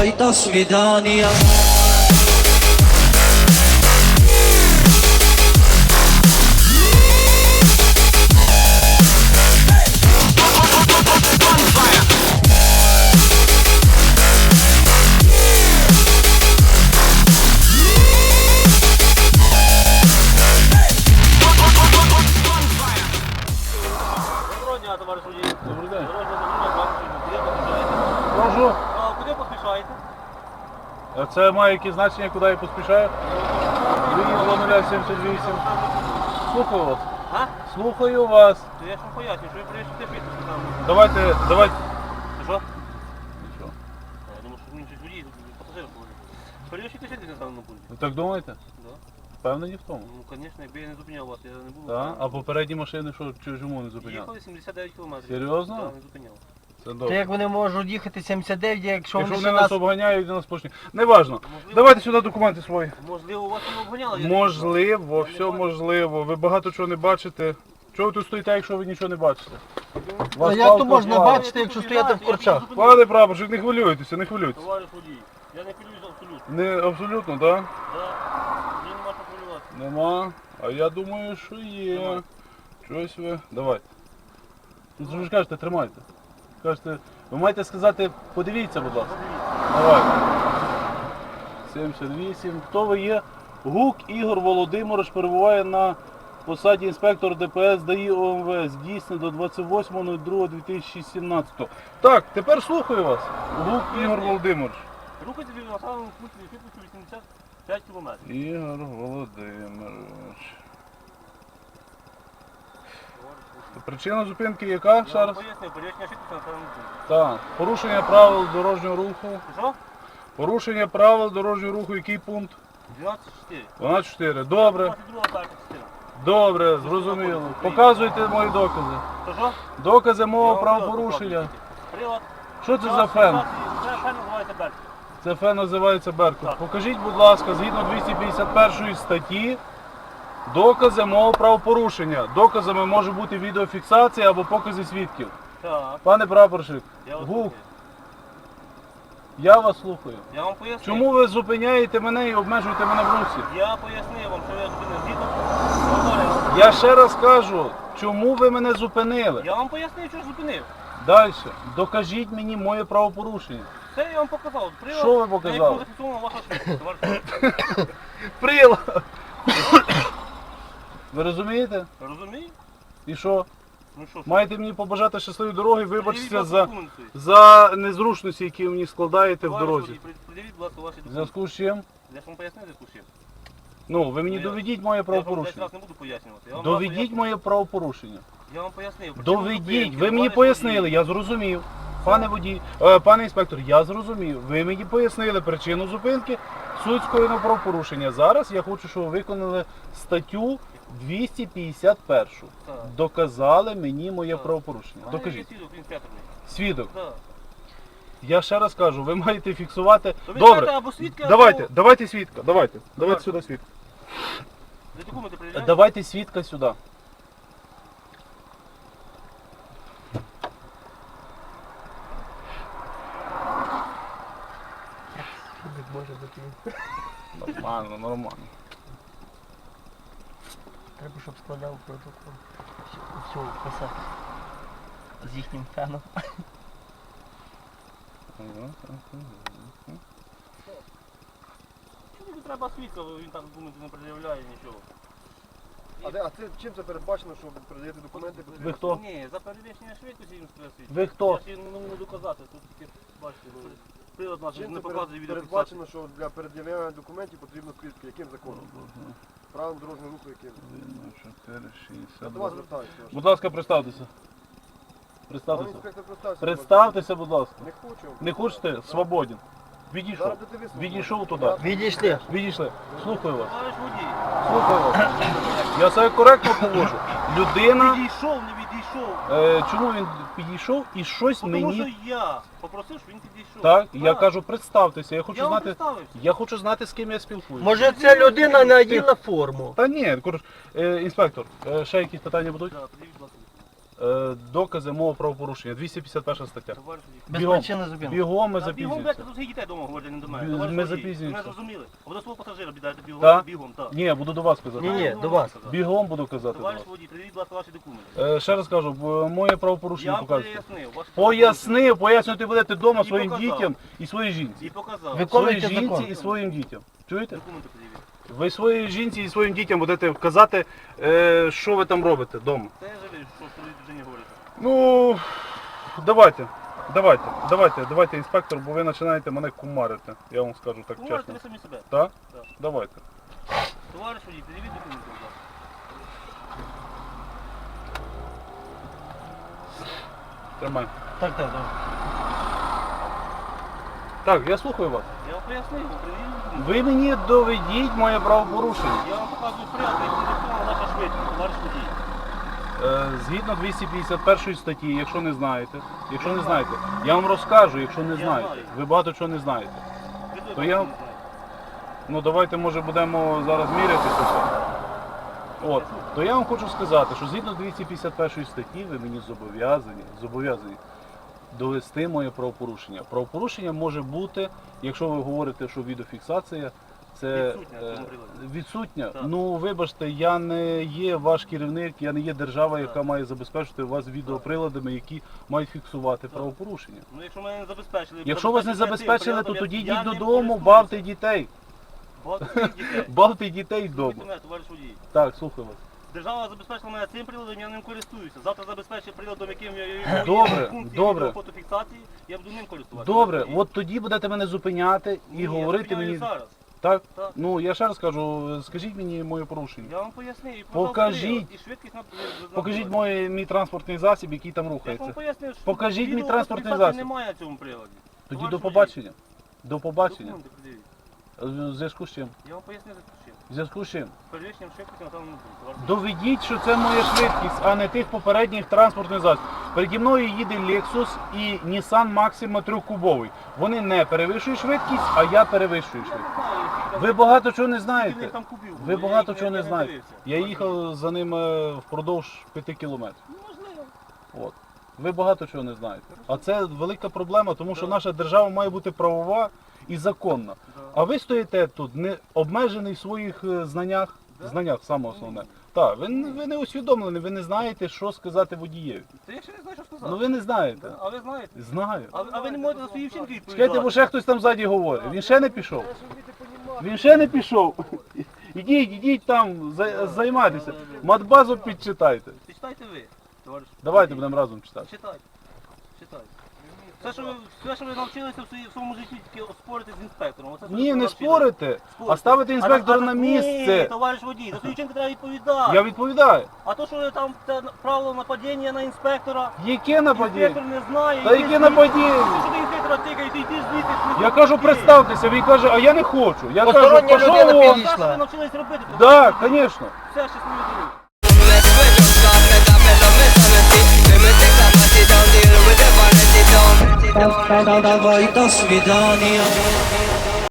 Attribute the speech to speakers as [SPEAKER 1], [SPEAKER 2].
[SPEAKER 1] давай до свидания.
[SPEAKER 2] Товариш водій.
[SPEAKER 3] Добрий день.
[SPEAKER 2] Дорожня заміна, куди поспішаєте?
[SPEAKER 3] Прошу.
[SPEAKER 2] А куди поспішаєте?
[SPEAKER 3] А це має якісь значення, куди я поспішаю? Виїзд 0078. Слухаю вас.
[SPEAKER 2] А?
[SPEAKER 3] Слухаю вас.
[SPEAKER 2] То я ж вам поясню, що ви приїжджаєте підпис там.
[SPEAKER 3] Давайте.
[SPEAKER 2] Що?
[SPEAKER 3] Що?
[SPEAKER 2] Я думаю, що він щось водій, пасажир говорить. Перевищуйте сидіти на даному пункті.
[SPEAKER 3] Ви так думаєте?
[SPEAKER 2] Да.
[SPEAKER 3] Впевнені в тому?
[SPEAKER 2] Ну, звісно, якби я не зупиняв вас, я не був.
[SPEAKER 3] Так? А попередні машини що, чому не зупиняли?
[SPEAKER 2] Їхали 79 кілометрів.
[SPEAKER 3] Серйозно?
[SPEAKER 2] Так, не зупиняв.
[SPEAKER 3] Це
[SPEAKER 4] То
[SPEAKER 3] добре.
[SPEAKER 4] як вони можуть їхати 79, якщо
[SPEAKER 3] Якщо
[SPEAKER 4] вони
[SPEAKER 3] вони
[SPEAKER 4] ще
[SPEAKER 3] нас
[SPEAKER 4] нас...
[SPEAKER 3] обганяють, нас почнуть. Неважно. Давайте сюди документи свої.
[SPEAKER 2] Можливо, вас не обганяли? я
[SPEAKER 3] Можливо,
[SPEAKER 2] Я не
[SPEAKER 3] все
[SPEAKER 2] бачу.
[SPEAKER 3] можливо. Ви багато чого не бачите. Чого ви тут стоїте, якщо ви нічого не бачите?
[SPEAKER 4] А
[SPEAKER 3] Вас
[SPEAKER 4] як то
[SPEAKER 3] палка
[SPEAKER 4] можна
[SPEAKER 3] впала.
[SPEAKER 4] бачити, якщо стояти в корчах?
[SPEAKER 3] Пане прапорщик, не хвилюйтеся, не хвилюйтеся.
[SPEAKER 2] Товариш водій, я не хвилююсь абсолютно.
[SPEAKER 3] Не абсолютно, так?
[SPEAKER 2] Да. Мені нема що хвилюватися.
[SPEAKER 3] Нема. А я думаю, що є.
[SPEAKER 2] Давай.
[SPEAKER 3] Щось ви. Давайте. Ну ви ж кажете, тримайте. Кажете, ви маєте сказати, подивіться, будь ласка. Давайте. 78. Хто ви є? Гук Ігор Володимирович перебуває на посаді інспектор ДПС ДАІ ОМВС. Дійсно до 28.02.2017. Так, тепер слухаю вас. Гук Ігор Володимирович.
[SPEAKER 2] Рухайте на населеному пункті швидкістю 85 кілометрів.
[SPEAKER 3] Ігор Володимирович. Причина зупинки яка? Ще
[SPEAKER 2] Я вам
[SPEAKER 3] раз?
[SPEAKER 2] пояснив, перевищення швидкості на населеному пункті.
[SPEAKER 3] Так. Порушення правил дорожнього руху.
[SPEAKER 2] Що?
[SPEAKER 3] Порушення правил дорожнього руху, який пункт?
[SPEAKER 2] 12,4.
[SPEAKER 3] 12.4. Добре.
[SPEAKER 2] 22 так, частина.
[SPEAKER 3] Добре, зрозуміло. Показуйте мої докази.
[SPEAKER 2] То що?
[SPEAKER 3] Докази
[SPEAKER 2] Я
[SPEAKER 3] мого
[SPEAKER 2] вам
[SPEAKER 3] правопорушення.
[SPEAKER 2] показую. Прилад.
[SPEAKER 3] Що це за фен?
[SPEAKER 2] Це фен називається Берт.
[SPEAKER 3] Це фен називається Беркут.
[SPEAKER 2] Так.
[SPEAKER 3] Покажіть, будь ласка, згідно 251 статті, докази мого правопорушення. Доказами може бути відеофіксація або покази свідків.
[SPEAKER 2] Так.
[SPEAKER 3] Пане прапорщик,
[SPEAKER 2] Я вас
[SPEAKER 3] Гук,
[SPEAKER 2] слухаю.
[SPEAKER 3] я вас слухаю.
[SPEAKER 2] Я вам пояснив.
[SPEAKER 3] Чому ви зупиняєте мене і обмежуєте мене в русі?
[SPEAKER 2] Я пояснив вам, що я зупинив згідно. Говоримо.
[SPEAKER 3] Я ще раз кажу, чому ви мене зупинили?
[SPEAKER 2] Я вам пояснив, що зупинив.
[SPEAKER 3] Далі. Докажіть мені моє правопорушення.
[SPEAKER 2] Це я вам показав. Прилад,
[SPEAKER 3] Що ви показали?
[SPEAKER 2] на якому зафіксована ваша швидкість, товариш водій.
[SPEAKER 3] Прилад! Ви розумієте?
[SPEAKER 2] Розумієте?
[SPEAKER 3] І що?
[SPEAKER 2] Ну що?
[SPEAKER 3] Маєте мені побажати щасливої дороги, вибачтеся
[SPEAKER 2] Пред'явіть, будь
[SPEAKER 3] за,
[SPEAKER 2] ласка, документи.
[SPEAKER 3] за незручності, які ви мені складаєте в
[SPEAKER 2] Товариш
[SPEAKER 3] дорозі.
[SPEAKER 2] водій, Пред'явіть, будь ласка, ваші
[SPEAKER 3] В
[SPEAKER 2] документи.
[SPEAKER 3] зв'язку з чим?
[SPEAKER 2] Я ж вам пояснив в зв'язку з чим.
[SPEAKER 3] Ну, ви мені
[SPEAKER 2] Ну, я-
[SPEAKER 3] доведіть моє
[SPEAKER 2] Я вам 10
[SPEAKER 3] правопорушення.
[SPEAKER 2] раз не буду пояснювати. Я вам
[SPEAKER 3] Доведіть
[SPEAKER 2] поясню.
[SPEAKER 3] моє правопорушення.
[SPEAKER 2] Я вам пояснив. Причину
[SPEAKER 3] Доведіть.
[SPEAKER 2] зупинки,
[SPEAKER 3] Ви мені
[SPEAKER 2] товариш
[SPEAKER 3] пояснили,
[SPEAKER 2] водій.
[SPEAKER 3] я зрозумів. Пане водій, пане інспектор, я зрозумів. Ви мені пояснили причину зупинки, суть скоєного правопорушення. Зараз я хочу, щоб ви виконали статтю 251.
[SPEAKER 2] Так.
[SPEAKER 3] Доказали мені моє
[SPEAKER 2] Так.
[SPEAKER 3] правопорушення.
[SPEAKER 2] У мене є
[SPEAKER 3] Докажіть.
[SPEAKER 2] свідок, він п'ятерний.
[SPEAKER 3] Свідок.
[SPEAKER 2] Так.
[SPEAKER 3] Я ще раз кажу, ви маєте фіксувати.
[SPEAKER 2] То ви
[SPEAKER 3] Добре.
[SPEAKER 2] скажете або свідки, або-
[SPEAKER 3] Давайте свідка. Давайте
[SPEAKER 2] Давай.
[SPEAKER 3] сюди свідка.
[SPEAKER 2] Ви документи перевіряєте?
[SPEAKER 3] Давайте свідка сюди.
[SPEAKER 4] Може бути.
[SPEAKER 3] Нормально, нормально.
[SPEAKER 4] Треба, щоб складав протокол. Все писати. З їхнім феном.
[SPEAKER 2] Чому треба свідка, він там документи не пред'являє, нічого.
[SPEAKER 5] А це чим це передбачено, що ви передаєте документи?
[SPEAKER 3] Ви хто?
[SPEAKER 2] Ні, за перевищення швидкості він треба свідчити.
[SPEAKER 3] Ви хто?
[SPEAKER 2] Я ж не можу доказати, тут тільки, бачите, прилад наш
[SPEAKER 5] Чим
[SPEAKER 2] не
[SPEAKER 5] це
[SPEAKER 2] показує відеофіксацію.
[SPEAKER 5] передбачено, що для перед'являння документів потрібно свідки? Яким законом? Правилом дорожнього руху яким?
[SPEAKER 3] 4,
[SPEAKER 5] Я до вас
[SPEAKER 3] 62.
[SPEAKER 5] звертаюся.
[SPEAKER 3] Будь ласка, представтеся.
[SPEAKER 5] Пане
[SPEAKER 3] Представтеся.
[SPEAKER 5] інспектор, представся.
[SPEAKER 3] Представтеся, будь ласка.
[SPEAKER 5] Не хочу.
[SPEAKER 3] Не хочете? Свободен. Відійшов.
[SPEAKER 5] Зараз будете ви свободні.
[SPEAKER 3] Відійшов туди.
[SPEAKER 4] Відійшли.
[SPEAKER 3] Відійшли. Слухаю вас.
[SPEAKER 2] Товариш водій,
[SPEAKER 3] Слухаю вас. Я себе коректно поводжу. Людина.
[SPEAKER 2] відійшов, не відійшов.
[SPEAKER 3] Чому він підійшов і щось
[SPEAKER 2] Тому
[SPEAKER 3] мені.
[SPEAKER 2] що я попросив, щоб він підійшов.
[SPEAKER 3] Так, я кажу, представтеся. Я хочу
[SPEAKER 2] Я вам
[SPEAKER 3] знати.
[SPEAKER 2] представився.
[SPEAKER 3] Я хочу знати, з ким я спілкуюся.
[SPEAKER 4] Може ця людина наділа форму?
[SPEAKER 3] Та ні, інспектор, ще якісь питання будуть?
[SPEAKER 2] Так, подивіть, будь ласка.
[SPEAKER 3] докази мого правопорушення. 251 стаття.
[SPEAKER 2] Товариш водій.
[SPEAKER 4] Без
[SPEAKER 3] Бігом.
[SPEAKER 4] причини зупинки.
[SPEAKER 3] Бігом ми
[SPEAKER 2] Та бігом, блядь,
[SPEAKER 3] запізнюємося.
[SPEAKER 2] тут всіх дітей вдома говорять, не до мене.
[SPEAKER 3] Ми
[SPEAKER 2] Товариш водій,
[SPEAKER 3] запізнюємося.
[SPEAKER 2] Ви зрозуміли? А ви до свого пасажира бідаєте бігом,
[SPEAKER 3] Та?
[SPEAKER 2] бігом, так.
[SPEAKER 3] Ні, буду до вас казати.
[SPEAKER 4] Ні, до вас.
[SPEAKER 3] Бігом буду казати до
[SPEAKER 2] Товариш
[SPEAKER 3] вас.
[SPEAKER 2] водій, приведіть, будь ласка, ваші документи.
[SPEAKER 3] Ще раз кажу, моє
[SPEAKER 2] Я
[SPEAKER 3] правопорушення
[SPEAKER 2] вам
[SPEAKER 3] показуєте.
[SPEAKER 2] пояснив. ваші
[SPEAKER 3] Пояснювати будете вдома
[SPEAKER 2] І
[SPEAKER 3] своїм
[SPEAKER 2] показав.
[SPEAKER 3] дітям і своїй жінці.
[SPEAKER 2] І показав.
[SPEAKER 3] Своїй
[SPEAKER 4] Виконуйте
[SPEAKER 3] жінці
[SPEAKER 4] закон.
[SPEAKER 3] і своїм дітям. Чуєте?
[SPEAKER 2] Документи подивіть.
[SPEAKER 3] Ви своїй жінці і своїм дітям будете казати, що ви там робите вдома.
[SPEAKER 2] Це я жалію, що своїй дружині говорите.
[SPEAKER 3] Ну, давайте, інспектор, бо ви починаєте мене кумарити. Я вам скажу так
[SPEAKER 2] Говорите
[SPEAKER 3] чесно.
[SPEAKER 2] ви самі себе.
[SPEAKER 3] Так?
[SPEAKER 2] Так.
[SPEAKER 3] Давайте.
[SPEAKER 2] Товариш водій, підійдіть документи, будь ласка.
[SPEAKER 3] Тримай.
[SPEAKER 4] Так, добре.
[SPEAKER 3] Так, я слухаю вас.
[SPEAKER 2] Я вам пояснив, приведіть документи.
[SPEAKER 3] Ви мені доведіть моє правопорушення.
[SPEAKER 2] Я вам показую прямо, як зафіксована ваша швидкість, товариш водій.
[SPEAKER 3] Згідно 251 статті, якщо не знаєте, я вам розкажу, якщо не
[SPEAKER 2] Я
[SPEAKER 3] знаєте.
[SPEAKER 2] знаю.
[SPEAKER 3] Ви багато чого не знаєте.
[SPEAKER 2] Ви
[SPEAKER 3] То
[SPEAKER 2] точно
[SPEAKER 3] я-
[SPEAKER 2] не знаєте.
[SPEAKER 3] Ну давайте, може, будемо зараз мірятися. все. От, то я вам хочу сказати, що згідно 251 статті ви мені зобов'язані довести моє правопорушення. Правопорушення може бути, якщо ви говорите, що відеофіксація, це
[SPEAKER 2] Відсутня в цьому приладі.
[SPEAKER 3] відсутня.
[SPEAKER 2] Так.
[SPEAKER 3] Ну вибачте, я не є ваш керівник, я не є держава,
[SPEAKER 2] Так.
[SPEAKER 3] яка має забезпечити вас відеоприладами, які мають фіксувати правопорушення.
[SPEAKER 2] Ну, якщо мене не забезпечили...
[SPEAKER 3] Якщо вас не забезпечили, то тоді йдіть додому,
[SPEAKER 2] бавте
[SPEAKER 3] бавте дітей.
[SPEAKER 2] дітей.
[SPEAKER 3] Бавте дітей вдома.
[SPEAKER 2] Слухайте мене, товариш водій.
[SPEAKER 3] Так, слухаю вас.
[SPEAKER 2] Держава забезпечила мене цим приладом, я ним користуюся. Завтра забезпечить приладом, яким
[SPEAKER 3] Добре,
[SPEAKER 2] функції
[SPEAKER 3] добре.
[SPEAKER 2] відеофотофіксації, я буду ним користуватися.
[SPEAKER 3] Добре,
[SPEAKER 2] Товариш водій.
[SPEAKER 3] от тоді будете мене зупиняти і
[SPEAKER 2] Ні, я
[SPEAKER 3] говорити
[SPEAKER 2] зупиняю
[SPEAKER 3] мені.
[SPEAKER 2] зараз.
[SPEAKER 3] Так?
[SPEAKER 2] Так.
[SPEAKER 3] Ну я ще раз кажу, скажіть мені моє порушення.
[SPEAKER 2] Я вам пояснив. І
[SPEAKER 3] Покажіть.
[SPEAKER 2] І швидкість
[SPEAKER 3] Покажіть мій транспортний засіб, який там
[SPEAKER 2] Я ж вам
[SPEAKER 3] рухається.
[SPEAKER 2] пояснив, що
[SPEAKER 3] Покажіть мій транспортний
[SPEAKER 2] відеофотофіксації
[SPEAKER 3] засіб.
[SPEAKER 2] немає на цьому приладі.
[SPEAKER 3] Тоді
[SPEAKER 2] Товариш
[SPEAKER 3] до
[SPEAKER 2] водій.
[SPEAKER 3] побачення. До побачення.
[SPEAKER 2] Документи пред'явіть.
[SPEAKER 3] В зв'язку з чим?
[SPEAKER 2] Я вам пояснив, за чим.
[SPEAKER 3] В зв'язку з чим?
[SPEAKER 2] Перевищенням швидкості на тому не буде. Товариш водій.
[SPEAKER 3] Доведіть, що це моя швидкість, а не тих попередніх транспортних засобів. Переді мною їде Lexus і Nissan Maxima 3-кубовий. Вони не перевищують швидкість, а я перевищую
[SPEAKER 2] Я
[SPEAKER 3] швидкість.
[SPEAKER 2] не знаю, скільки там-
[SPEAKER 3] Ви багато чого не
[SPEAKER 2] скільки в них
[SPEAKER 3] знаєте.
[SPEAKER 2] там кубів було.
[SPEAKER 3] Ви
[SPEAKER 2] Я
[SPEAKER 3] багато
[SPEAKER 2] їх
[SPEAKER 3] чого не
[SPEAKER 2] не
[SPEAKER 3] знаєте.
[SPEAKER 2] дивився.
[SPEAKER 3] Я їхав за ними впродовж 5 кілометрів.
[SPEAKER 2] Ну, можливо.
[SPEAKER 3] От. Ви багато чого не знаєте. А це велика проблема, тому що
[SPEAKER 2] Да.
[SPEAKER 3] наша держава має бути правова і законна.
[SPEAKER 2] Да.
[SPEAKER 3] А ви стоїте тут не обмежений в своїх знаннях,
[SPEAKER 2] Да.
[SPEAKER 3] знаннях саме основне. Так, ви не усвідомлені, ви не знаєте, що сказати водієві.
[SPEAKER 2] Та я ще не знаю, що сказати.
[SPEAKER 3] Ну ви не знаєте.
[SPEAKER 2] Да, а ви знаєте?
[SPEAKER 3] Знаю.
[SPEAKER 2] А ви не можете за свої вчинки відповідати?
[SPEAKER 3] Чекайте, бо ще хтось там ззаді говорить. Він ще не пішов. Він ще не пішов. Ідіть там, займайтеся. Матбазу підчитайте.
[SPEAKER 2] Читайте ви, товариш.
[SPEAKER 3] Давайте будемо разом читати.
[SPEAKER 2] Читайте. Читайте. Все, що ви навчилися в своєму житті, тільки спорити з інспектором. Оце, що
[SPEAKER 3] Ні,
[SPEAKER 2] ви
[SPEAKER 3] не
[SPEAKER 2] навчилися.
[SPEAKER 3] спорите, а ставити інспектора на
[SPEAKER 2] Ні,
[SPEAKER 3] місце.
[SPEAKER 2] товариш водій, за свої вчинки треба відповідати.
[SPEAKER 3] Я відповідаю.
[SPEAKER 2] А то, що ви там це правило нападіння на інспектора,
[SPEAKER 3] Яке нападіння?
[SPEAKER 2] інспектор не знає.
[SPEAKER 3] Та яке нападіння?
[SPEAKER 2] Що ти інспектора тикаєте, йди звідти.
[SPEAKER 3] Я кажу, представтеся, він каже, а я не хочу. Я кажу,
[SPEAKER 4] Постороння
[SPEAKER 3] пішов
[SPEAKER 4] людина
[SPEAKER 3] вон.
[SPEAKER 4] підійшла.
[SPEAKER 2] Що ви навчились робити?
[SPEAKER 3] Так, звісно.
[SPEAKER 2] Все, щасливі дороги.
[SPEAKER 1] Давай до свидания.